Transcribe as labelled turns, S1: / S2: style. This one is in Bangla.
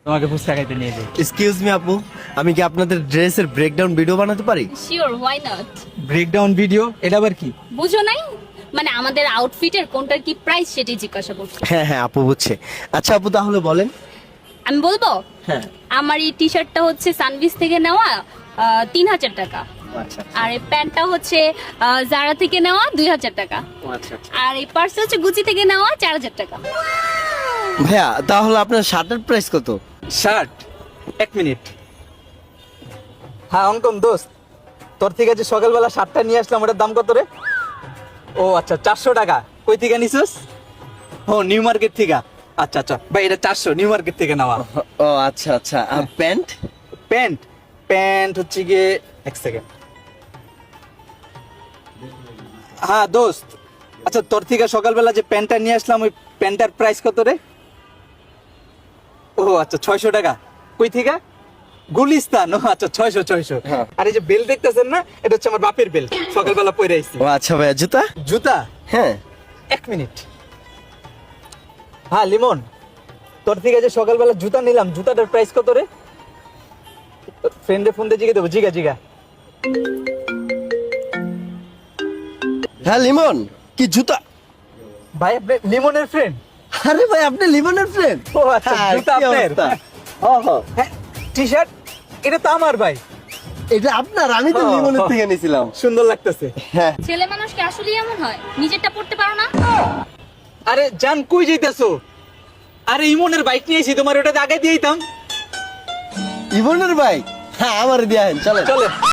S1: তোমাকে ফুচকা খাইতে নিয়ে যাই।
S2: এক্সকিউজ মি আপু, আমি কি আপনাদের ড্রেসের ব্রেকডাউন ভিডিও বানাতে পারি?
S3: Sure, why not.
S1: Breakdown video, এটা আবার কি?
S3: বুঝো নাই? মানে আমাদের আউটফিটের কোনটার কি প্রাইস সেটাই জিজ্ঞাসা করছো।
S2: হ্যাঁ হ্যাঁ আপু বুঝছে। আচ্ছা আপু তাহলে বলেন।
S3: আমি বলবো,
S2: হ্যাঁ।
S3: আমার এই টি শার্টটা হচ্ছে সানভিস থেকে নেওয়া 3000 টাকা।
S2: আচ্ছা
S3: আর এই প্যান্টটা হচ্ছে জারা থেকে নেওয়া 2000 টাকা।
S2: আচ্ছা।
S3: আর এই পার্স হচ্ছে গুচি থেকে নেওয়া 4000 টাকা।
S2: ভাইয়া তাহলে আপনার শার্টের প্রাইস কত?
S1: Shirt, 1 minute. হ্যাঁ অঙ্কন দোস্ত, তোর থেকে যে সকালবেলা শার্টটা নিয়ে আসলাম ওটার দাম কত রে? ও আচ্ছা 400 টাকা। কই থেকে নিছিস? ও নিউ মার্কেট থেকে। আচ্ছা আচ্ছা ভাই, এটা 400 নিউ মার্কেট থেকে নেওয়া।
S2: ও আচ্ছা আচ্ছা। আর প্যান্ট?
S1: প্যান্ট, প্যান্ট হচ্ছে গিয়ে 1 সেকেন্ড। হ্যাঁ দোস্ত, আচ্ছা তোর থেকে সকালবেলা যে প্যান্টটা নিয়ে আসলাম ওই প্যান্টটার প্রাইস কত রে? ও আচ্ছা 600 টাকা। কই থেকে? গুলিস্তান। ও আচ্ছা 600।
S2: হ্যাঁ।
S1: আর এই যে বেল্ট দেখতেছেন না, এটা হচ্ছে আমার বাপের বেল্ট, সকালবেলা পরে আইছি।
S2: ও আচ্ছা ভাইয়া জুতা?
S1: জুতা,
S2: হ্যাঁ।
S1: 1 মিনিট। হ্যাঁ লিমন, তোর থেকে যে সকালবেলা জুতা নিলাম, জুতাটার প্রাইস কত রে? ফ্রেন্ডে ফোন দিয়ে জিগে দেবো, জিগা।
S2: হ্যাঁ লিমন, কি জুতা?
S1: ভাই আপনি লিমনের ফ্রেন্ড?
S2: আরে ভাই আপনি লিমনের ফ্রেন্ড?
S1: ও আচ্ছা, জুতা আপনার? হ্যাঁ, টি শার্ট, এটা তো আমার ভাই।
S2: এটা আপনার? আমি তো
S1: ও।
S2: লিমনের থেকে নিয়েছিলাম।
S1: সুন্দর লাগতেছে।
S2: হ্যাঁ।
S3: ছেলে মানুষ কি আসলেই এমন হয়? নিজেরটা পড়তে পারো না?
S1: আরে জান কই যাইতেছো? আরে ইমনের বাইক নিয়ে এসেছি, তোমার ওটাতে আগে দিয়ে দিতাম।
S2: ইবনের ভাই? হ্যাঁ আমার দিয়ে চলে
S1: চলে।